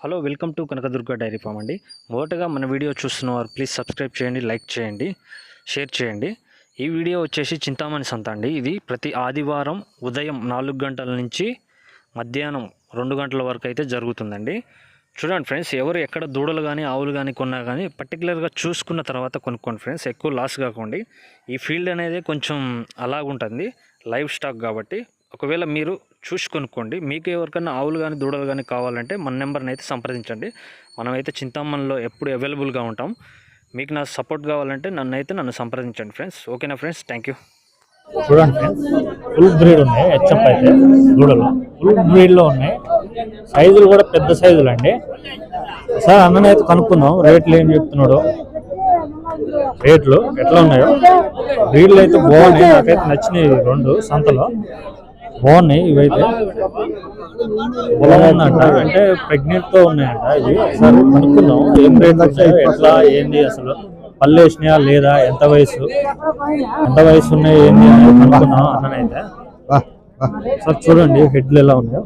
Hello welcome to Kanakadurga dairy farm అండి. మొదటగా మన వీడియో చూస్తున్నవారు ప్లీజ్ సబ్స్క్రైబ్ చేయండి, లైక్ చేయండి, షేర్ చేయండి. ఈ వీడియో వచ్చేసి చింతామణి సంత అండి. ఇది ప్రతి ఆదివారం ఉదయం 4 గంటల నుంచి మధ్యాహ్నం 2 గంటల వరకు అయితే జరుగుతుందండి. చూడండి ఫ్రెండ్స్, ఎవరు ఎక్కడ దూడలు కానీ ఆవులు కానీ కొన్నా కానీ పర్టికులర్గా చూసుకున్న తర్వాత కొనుక్కోండి ఫ్రెండ్స్, ఎక్కువ లాస్ కాకండి. ఈ ఫీల్డ్ అనేది కొంచెం అలాగుంటుంది, లైవ్ స్టాక్ కాబట్టి ఒకవేళ మీరు చూసి కొనుక్కోండి. మీకు ఎవరికైనా ఆవులు కానీ దూడలు కానీ కావాలంటే మన నెంబర్ని అయితే సంప్రదించండి. మనమైతే చింతామణిలో ఎప్పుడు అవైలబుల్గా ఉంటాం. మీకు నా సపోర్ట్ కావాలంటే నన్ను సంప్రదించండి ఫ్రెండ్స్. ఓకేనా ఫ్రెండ్స్, థ్యాంక్ యూ. చూడండి ఫ్రెండ్స్, ఫుల్ బ్రీడ్ ఉన్నాయి. హెచ్ఎఫ్ అయితే దూడలు ఫుల్ బ్రీడ్లో ఉన్నాయి. సైజులు కూడా పెద్ద సైజులు అండి. సార్ అన్ననైతే కనుక్కుందాం, రేట్లు ఏం చెప్తున్నాడు, రేట్లు ఎట్లా ఉన్నాయో. బ్రీడ్లు అయితే బాగున్నాయి, నాకైతే నచ్చినాయి. 2 సంతలో బాగున్నాయి. ఇవైతే పొలం ఉందంట, అంటే ప్రెగ్నెంట్తో ఉన్నాయంట. ఇవి సార్ కనుక్కుందాం, ఏం రేట్ వచ్చాయో, ఎట్లా ఏంది, అసలు పళ్ళు వేసినాయా లేదా, ఎంత వయసు ఉన్నాయి ఏంది అనేది కనుక్కుందాం అన్ననైతే. సార్ చూడండి హెడ్లు ఎలా ఉన్నాయో,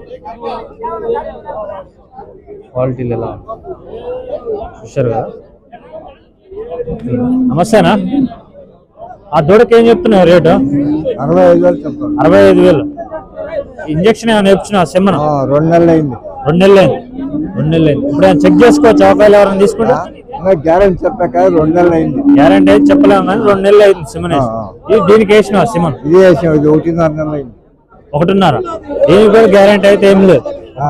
క్వాలిటీలు ఎలా ఉన్నాయి చూశారు కదా. నమస్తేనా, ఆ దూడకి ఏం చెప్తున్నావు రేటు? 65,000. ఇంజక్షన్ ఏమైనా నేర్చున్నా సెమ్మన? 2 నెలలు అయింది. 2 నెలలు అయింది. ఇప్పుడు ఏమైనా చెక్ చేసుకోవచ్చు ఒకవేళ ఎవరైనా తీసుకుంటే? గ్యారెంటీ చెప్పాక 2 నెలలు అయింది. గ్యారెంటీ అయితే చెప్పలేము కానీ 2 నెలలు అయింది సిమన్. దీనికి వేసినావా సిమన్? ఇది వేసాం, ఇది 1.5 నెలలు అయింది. 1.5. దీనికి కూడా గ్యారెంటీ అయితే ఏం లేదు,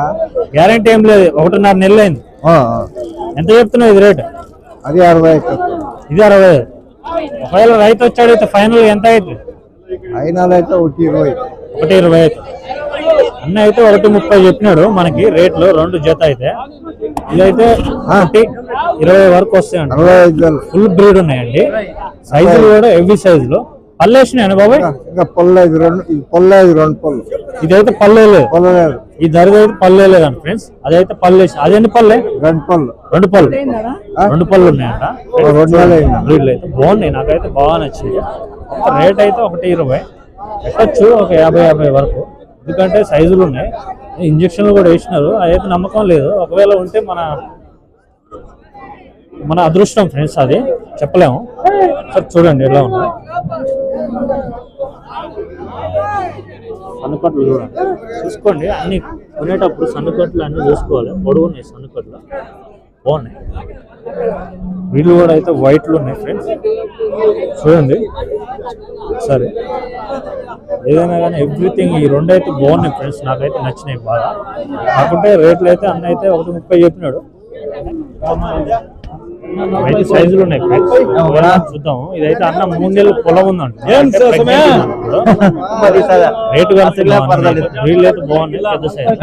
1.5 నెలలు అయింది. ఎంత చెప్తున్నావు ఇది రేటు? అది 60. ఇది 60. ఒకవేళ రైతు వచ్చాడైతే ఫైనల్ ఎంత అవుతుంది? ఫైనల్ అయితే 1.20. 1.20 అయితే అన్న అయితే 1.30 చెప్పినాడు మనకి రేట్లు. 2 జత అయితే ఇదైతే 1.20 వరకు వస్తాయండి. 65,000 ఫుల్ బ్రీడ్ ఉన్నాయండి. సైజులు కూడా హెవీ సైజులు. పళ్ళు వేసినాయండి బాబాయ్? ఇంకా పొల్లేదు, 2 పళ్ళు. ఇదైతే పల్లె లేదు, పొల్లలేదు. ఈ ధరది అయితే పల్లె లేదండి ఫ్రెండ్స్. అదైతే పళ్ళు వేసి, అదేంటి పల్లె? 2 పళ్ళు. 2 పళ్ళు ఉన్నాయంట. 2 నెలలు బ్రీడ్లు అయితే బాగున్నాయి, నాకైతే బాగా నచ్చింది. రేట్ అయితే 1.20 పెట్టచ్చు, ఒక 50 వరకు. ఎందుకంటే సైజులు ఉన్నాయి, ఇంజక్షన్లు కూడా వేసినారు. అదైతే నమ్మకం లేదు, ఒకవేళ ఉంటే మన అదృష్టం ఫ్రెండ్స్, అది చెప్పలేము. సార్ చూడండి ఎలా ఉన్నాయి సన్నుకట్లు, చూడండి చూసుకోండి. అన్ని కొనేటప్పుడు సన్నుకట్లు అన్నీ చూసుకోవాలి. పొడవు ఉన్నాయి సన్నుకట్లు, బాగున్నాయి. వీళ్ళు కూడా అయితే వైట్లు ఉన్నాయి ఫ్రెండ్స్, చూడండి. సరే ఏదైనా కానీ ఎవ్రీథింగ్ ఈ 2 అయితే బాగున్నాయి ఫ్రెండ్స్, నాకైతే నచ్చినాయి బాగా. కాకుంటే రేట్లు అయితే అన్న అయితే 1.30 చెప్పినాడు. అయితే సైజులు ఉన్నాయి ఫ్రెండ్స్, చూద్దాం. ఇదైతే అన్న 3 నెలలు పొలం ఉందండి. రేటు వీళ్ళు అయితే బాగున్నాయి, పెద్ద సైజు.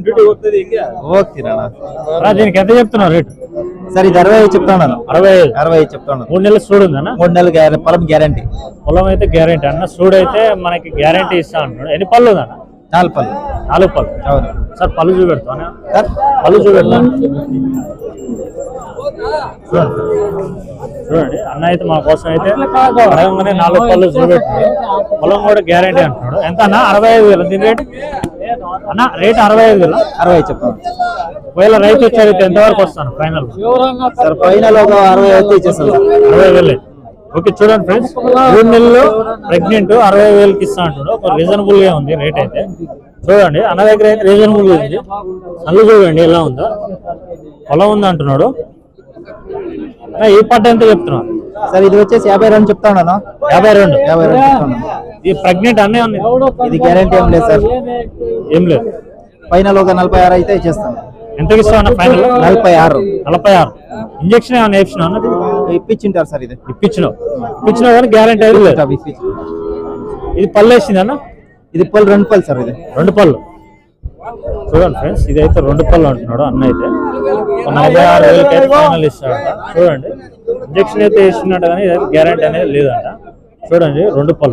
దీనికి ఎంత చెప్తున్నావు రేటు? సార్ ఇది 60 చెప్తాను. 65 చెప్తాను. 3 నెలలు సూడు ఉందన్న? 3 నెలలు పొలం గ్యారంటీ. పొలం అయితే గ్యారంటీ అన్న. సూడు అయితే మనకి గ్యారంటీ ఇస్తా అంటున్నాడు. ఎన్ని పళ్ళు ఉందన్న? 4 పళ్ళు. 4 పళ్ళు. అవును సార్ పళ్ళు చూపెడతాను, సార్ పళ్ళు చూపెడతాను. చూడండి అన్న అయితే మా కోసం అయితే అడగంగానే 4 పళ్ళు చూపెట్టాడు. పొలం కూడా గ్యారంటీ అంటున్నాడు. ఎంత అన్న? 65,000 దీని రేటు అన్న? రేటు 65,000. 60 చెప్తాను. ఒకవేళ రైతు వచ్చారైతే ఎంతవరకు వస్తాను ఫైనల్? సార్ ఫైనల్ ఒక 60 అయితే ఇచ్చేస్తాను. 60,000. ఓకే చూడండి ఫ్రెండ్స్, 3 నెలలు ప్రెగ్నెంట్ 60,000కి ఇస్తా అంటాడు. ఒక రీజనబుల్ గా ఉంది రేట్ అయితే. చూడండి అన్న దగ్గర అయితే రీజనబుల్ గా ఉంది. అల్లు చూడండి ఎలా ఉందో, పొలం ఉంది అంటున్నాడు. ఈ పట్ట ఎంత చెప్తున్నావు? సార్ ఇది వచ్చేసి 52 చెప్తాను. 52 చెప్తాను. ఇది ప్రెగ్నెంట్ అన్నీ ఉంది. ఇది గ్యారంటీ ఏం లేదు సార్, ఏం లేదు. ఫైనల్ ఒక 46 అయితే ఇచ్చేస్తాను. ఎంతకి ఇస్తావు అన్న ఫైనల్? 46. ఇంజక్షన్ ఏమైనా వేయించినా అన్నది? ఇప్పించింటారు సార్. ఇది ఇప్పించినావు కానీ గ్యారంటీ అయితే లేదు. ఇది పళ్ళు వేసింది అన్న? ఇది పళ్ళు 2 పళ్ళు సార్. ఇది 2 పళ్ళు. చూడండి ఫ్రెండ్స్, ఇదైతే 2 పళ్ళు అంటున్నాడు అన్న. అయితే 46,000కి అయితే ఫైనల్ ఇస్తాడంట. చూడండి ఇంజక్షన్ అయితే వేసినట్టు కానీ ఇదైతే గ్యారంటీ అనేది లేదంట. చూడండి 2 పళ్ళు.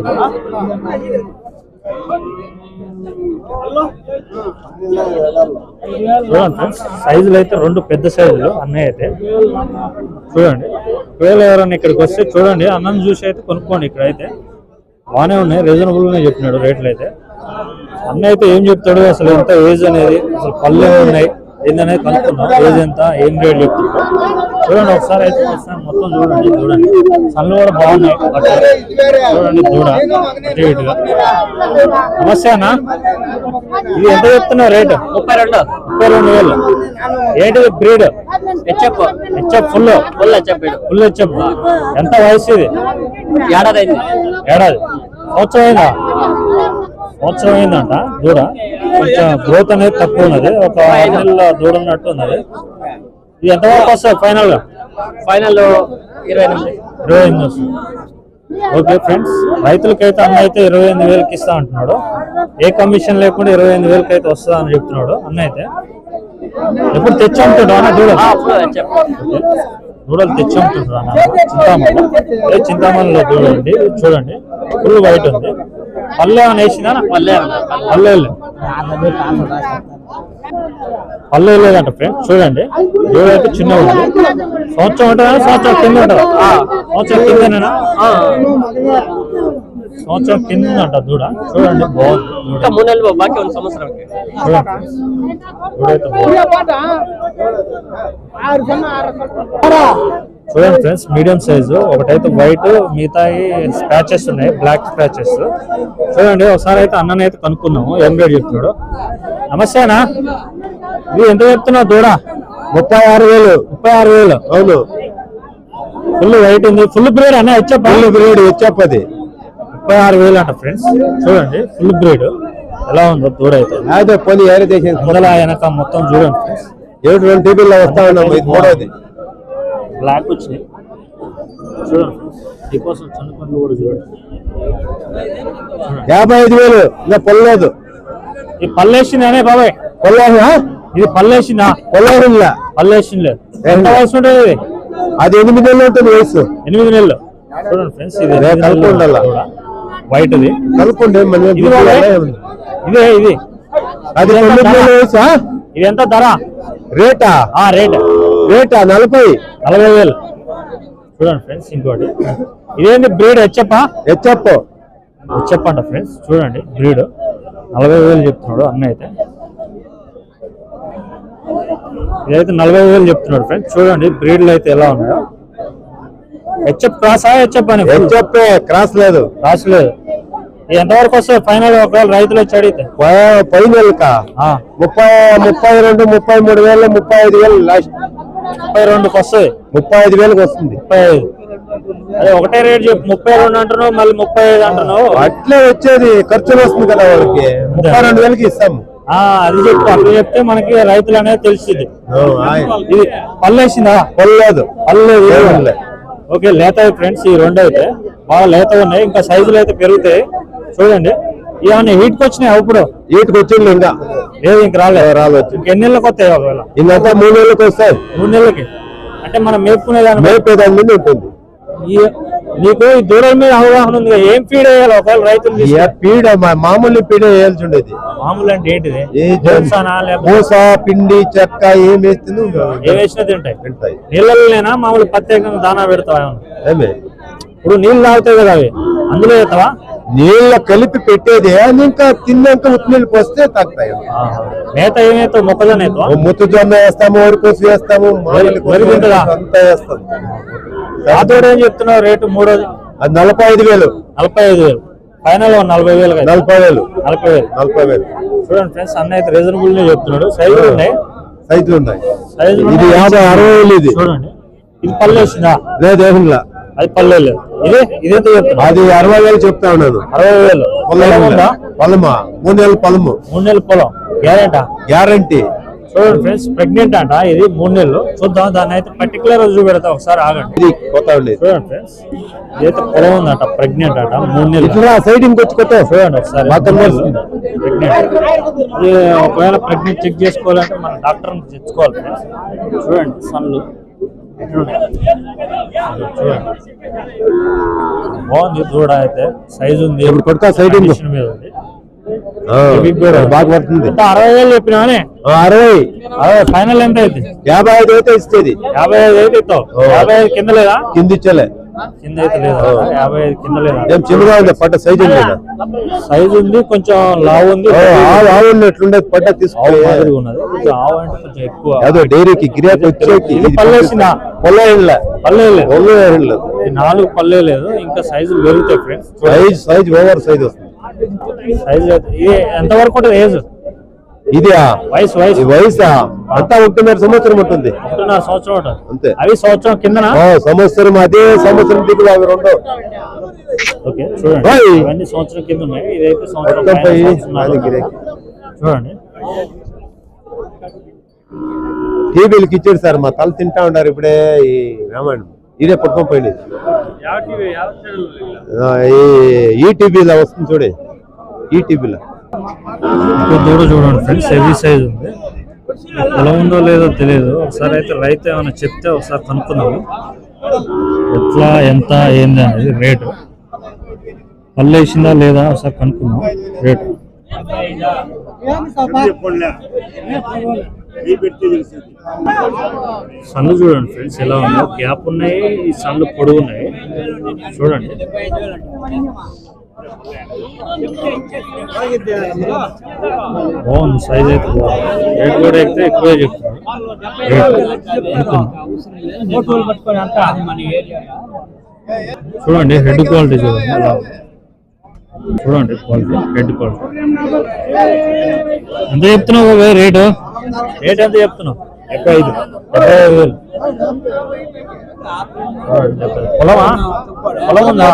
చూడండి ఫ్రెండ్స్, సైజులు అయితే 2 పెద్ద సైజులు అన్నయ్య అయితే. చూడండి ఒకవేళ ఎవరైనా ఇక్కడికి వస్తే చూడండి, అన్నం చూసి అయితే కొనుక్కోండి. ఇక్కడ అయితే బాగానే ఉన్నాయి, రీజనబుల్గానే చెప్పినాడు రేట్లు అయితే. అన్న అయితే ఏం చెప్తాడు, అసలు ఎంత ఏజ్ అనేది, అసలు పళ్ళు ఉన్నాయి, ఏందనేది కనుక్కుందాం. ఏజ్ ఎంత, ఏం రేట్ చెప్తున్నారు చూడండి. ఒకసారి అయితే మొత్తం చూడండి. సన్లు కూడా బాగున్నాయి. చూడండి దూడ అటు ఇటుగా. నమస్తే అన్న, ఇది ఎంత చెప్తున్నావు రేటు? 32,000. ఏంటిది బ్రీడ్? HF full HF. ఎంత వయసు ఇది? ఏడాది. సంవత్సరం అయిందంట దూడ. కొంచెం గ్రోత్ అనేది తక్కువ ఉన్నది. ఒక 5 నెలల దూడ ఉన్నట్టు ఉన్నది. ఇది ఎంతవరకు వస్తుంది ఫైనల్ గా? 28 వస్తుంది. ఓకే ఫ్రెండ్స్, రైతులకైతే అన్న అయితే 28,000కి ఇస్తా అంటున్నాడు. ఏ కమిషన్ లేకుండా 28,000కి అయితే వస్తుందా అని చెప్తున్నాడు అన్న అయితే. ఎప్పుడు తెచ్చి అమ్ముతాడు అన్న దూడ? దూడలు తెచ్చి అమ్ముతుంటాడు అన్న. చింతామణిలో దూడ అండి. చూడండి ఫుల్ వైట్ ఉంది. పల్లె ఏమైనా వేసిందా? పల్లె లేదంట ఫ్రెండ్స్. చూడండి దూడ అయితే చిన్న ఉంది. సంవత్సరం ఉంటుందా? సంవత్సరం కింద ఉంటుందా? సంవత్సరం కిందనేనా? సంవత్సరం కింద ఉందంట దూడ. చూడండి బాగుంది. చూడండి ఫ్రెండ్స్, మీడియం సైజు. ఒకటైతే వైట్, మిగతా స్క్రాచెస్ ఉన్నాయి, బ్లాక్ స్క్రాచెస్. చూడండి ఒకసారి అయితే అన్నని అయితే కనుక్కున్నాము ఏం రేట్ చెప్తున్నాడు. నమస్తే అన్న, ఇది ఎంత చెప్తున్నావు దూడ? 36,000. అవును, ఫుల్ వైట్ ఉంది. ఫుల్ బ్రీడ్ అన్న? హెచ్ఎఫ్ అది 36,000 అంట ఫ్రెండ్స్. చూడండి ఫుల్ బ్రీడ్ ఎలా ఉందో దూడ అయితే. మొదల వెనక మొత్తం చూడండి ఫ్రెండ్స్. 7 టీవీలో వస్తా ఉన్నాం. బ్లాక్ వచ్చినాయి చూడండి. మీకోసం చిన్న పనులు కూడా చూడండి. 55,000 ఇంకా పొల్లలేదు. ఈ పల్లేసిందనే బాబాయ్? ఇది పల్లేసిందా? పల్లేసింది. ఎంత వయసు ఉంటుంది ఇది? అది 8 నెలలు ఉంటుంది వయసు. 8 నెలలు. చూడండి ఫ్రెండ్స్, ఇది వైట్ ఇది. కలుపుకుంటే ఇదే ఇది. అది 9 నెలల వయసు. ఇది ఎంత ధర? రేటా? రేటా 40,000. చూడండి ఫ్రెండ్స్. ఇంకోటి ఇదేంటి బ్రీడ్? హెచ్ఎఫ్ అంట ఫ్రెండ్స్. చూడండి బ్రీడ్ 40,000 చెప్తున్నాడు అన్న అయితే. ఇదైతే 40,000 చెప్తున్నాడు ఫ్రెండ్స్. చూడండి బ్రీడ్లు అయితే ఎలా ఉన్నాయో. హెచ్ఎఫ్ క్రాసా? హెచ్ఎఫ్ అని క్రాస్ లేదు. ఎంతవరకు వస్తాయి ఫైనల్ ఒకవేళ రైతులు వచ్చి అడిగితే? ఫైనల్కా 32,000, 33,000, 35,000 లాస్ట్. 32కి వస్తాయి. 35,000కి వస్తుంది. 35. అదే ఒకటే రేట్ చెప్పు. 32 అంటున్నావు, మళ్ళీ 35 అంటున్నావు. అట్లే వచ్చేది ఖర్చులు వస్తుంది కదా వాళ్ళకి. 32,000కి ఇస్తాము. అది చెప్పు. అట్లా చెప్తే మనకి రైతులు అనేది తెలిసింది. ఇది పల్లేసిందా? పొల్లలేదు. ఓకే, లేత ఫ్రెండ్స్. ఈ రెండు అయితే బాగా లేత ఉన్నాయి. ఇంకా సైజులు అయితే పెరుగుతాయి. చూడండి ఇవన్నీ హీట్కి వచ్చినాయి. అప్పుడు హీట్కి వచ్చింది ఇంకా లేదు, ఇంక రాలేదు. ఇంకెన్ని నెలలకు వస్తాయి? ఒకవేళ ఇంకంతా 3 నెలలకు వస్తాయి. 3 నెలలకి అంటే మనం మేపుకునేదాన్ని మీద ఉంటుంది. నీకు ఈ దూరం మీద అవగాహన ఉంది. ఏం ఫీడ్ వేయాలి ఒకవేళ రైతులు? పీడ మామూలు పీడ వేయాల్సి ఉండేది. మామూలు అంటే ఏంటిది? పూస, పిండి, చెక్క ఏం వేస్తుంది ఏ వేసినా తింటాయి. నీళ్ళలోనేనా మామూలు ప్రత్యేకంగా దానా పెడతావా? ఇప్పుడు నీళ్ళు తాగుతాయి కదా, అవి అందులో వేస్తావా? నీళ్ళ కలిపి పెట్టేది. ఇంకా తిన్నాక ఉత్నీళ్ళు పోస్తే తగ్గుతాయి. మేత ఏమేస్తావు? మొక్కజొన్న మొక్కజొన్న వేస్తాము, వరికోసి వేస్తాము, అంతా వేస్తాము. ఆతోడు ఏం చెప్తున్నావు రేటు? మూడోది అది 45,000. ఫైనల్ 40,000. 40,000. చూడండి ఫ్రెండ్స్, అన్న అయితే రీజనబుల్ గా చెప్తున్నాడు. సైజులు ఉన్నాయి. ఇది 50-60,000. ఇది చూడండి. ఇది పల్లెసిందా? లేదు, అది పల్లె లేదు. ఇదేంత చెప్తున్నా? అది 60,000 చెప్తా ఉన్నాను. 60,000. పొలమా? 3 నెలల పొలము. 3 నెలల పొలం గ్యారంటీ. చూడండి ఫ్రెండ్స్, ప్రెగ్నెంట్ అంట. ఇది 3 నెలలు. చూద్దాం, దాన్ని అయితే పర్టికులర్ చూపెడతా. ఒకసారి ఆగండి. చూడండి ఫ్రెండ్స్, ఇదైతే పొలం ఉందంట. ప్రెగ్నెంట్ అంట. 3 నెలలు. సైడ్ ఇంకొచ్చి చూడండి ఒకసారి. ఒకవేళ ప్రెగ్నెంట్ చెక్ చేసుకోవాలంటే మన డాక్టర్ తెచ్చుకోవాలి ఫ్రెండ్స్. చూడండి సన్లు బాగుంది. దూడ అయితే సైజు ఉంది. సైడ్ మీద ఉంది. బాగా పడుతుంది. 60,000 చెప్పినానే. 60 ఫైనల్ ఎంత అయితే? 55 అయితే ఇస్తుంది. 55 అయితే ఇస్తావు. 55 కింద లేదా? కింద ఇచ్చలే. కింద అయితే లేదా 55 కింద లేదా ఏం చిన్నగా ఉంది పట్ట సైజ్ ఉంది సైజ్ ఉంది కొంచెం లావు ఉంది ఆవు ఉన్నట్లుండే పట్ట తీసుకో మాదిరిగా ఉన్నది కొంచెం ఆవు అంటే కొంచెం ఎక్కువ అదో డైరీకి గిరాకీ వచ్చేకి పల్లేసిందా పల్లె 4 పల్లె లేదు ఇంకా సైజులు పెరుగుతాయి ఫ్రెండ్స్ సైజ్ ఓవర్ సైజ్ వస్తుంది సైజ్ ఇది ఎంత వరకు ఉంటుంది ఏజ్ ఇది వయసు వయసా అంతా 1.5 సంవత్సరం ఉంటుంది 1.5 సంవత్సరం ఉంటుంది అంతే అవి సంవత్సరం కింద సంవత్సరం అదే సంవత్సరం దిగులు అవి రెండు ఓకే చూడండి ఇవన్నీ సంవత్సరం కింద ఉన్నాయి ఇదైతే సంవత్సరం చూడండి టీవీలకి ఇచ్చాడు సార్ మా తల తింటా ఉన్నారు ఇప్పుడే ఈ రామాయణం ఇదే పట్టుకొని పోయింది ఈ టీవీలో వస్తుంది చూడే ఈ టీవీలో దూడ చూడండి ఫ్రెండ్స్ హెవీ సైజ్ ఉంది ఎలా ఉందో లేదో తెలియదు ఒకసారి అయితే రైతు ఏమైనా చెప్తే ఒకసారి కనుక్కుందాము ఎట్లా ఎంత ఏంది అనేది రేటు పళ్ళు వేసిందా లేదా ఒకసారి కనుక్కుందాం రేటు సన్ను చూడండి ఫ్రెండ్స్ ఎలా ఉందో గ్యాప్ ఉన్నాయి ఈ సన్ను పొడవు ఉన్నాయి చూడండి బాగుంది సైజ్ అయితే బాగుంది రేట్ కూడా అయితే ఎక్కువే చెప్తున్నారు చూడండి హెడ్ క్వాలిటీ చూడండి ఎలా చూడండి క్వాలిటీ హెడ్ క్వాలిటీ ఎంత చెప్తున్నావు రేటు ఎంత చెప్తున్నావు 75,000 పొలం ఉందా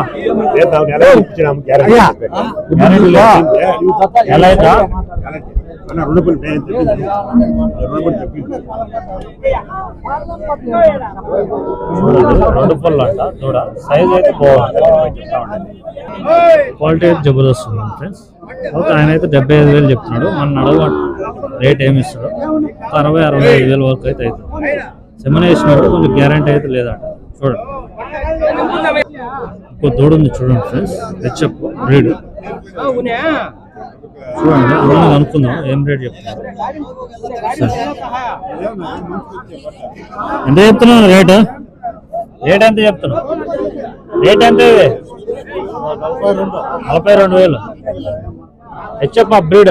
ఎలా అయితే రెండు పళ్ళు అంట చూడ సైజ్ అయితే బాగుంది క్వాలిటీ అయితే జబర్దస్త్ ఉంది ఫ్రెండ్స్ ఆయన అయితే 75,000 చెప్తున్నాడు మన అడగ రేట్ ఏమి ఇస్తాడు 60,000-65,000 వరకు అయితే అవుతుంది సెమన్ వేసినప్పుడు కొంచెం గ్యారంటీ అయితే లేదంట చూడండి ఇంకో దూడ ఉంది చూడండి ఫ్రెండ్స్ హెచ్ఎఫ్ బ్రీడ్ చూడండి దూడని కనుక్కుందాం ఏం రేట్ చెప్తున్నారు ఎంత చెప్తున్నాను రేట్ ఎంత చెప్తున్నావు రేట్ ఎంత ఇది 42,000 హెచ్ఎఫ్ బ్రీడ్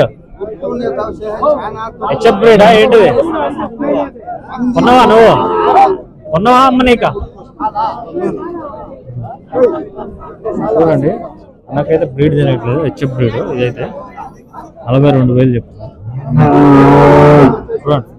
హెచ్ఎఫ్ బ్రీడా ఏంటిది కొన్నావా నువ్వు కొన్నావా అమ్మ నీక చూడండి నాకైతే బ్రీడ్ తినట్లేదు హెచ్ఎఫ్ బ్రీడ్ ఇదైతే 42,000 చెప్తున్నా చూడండి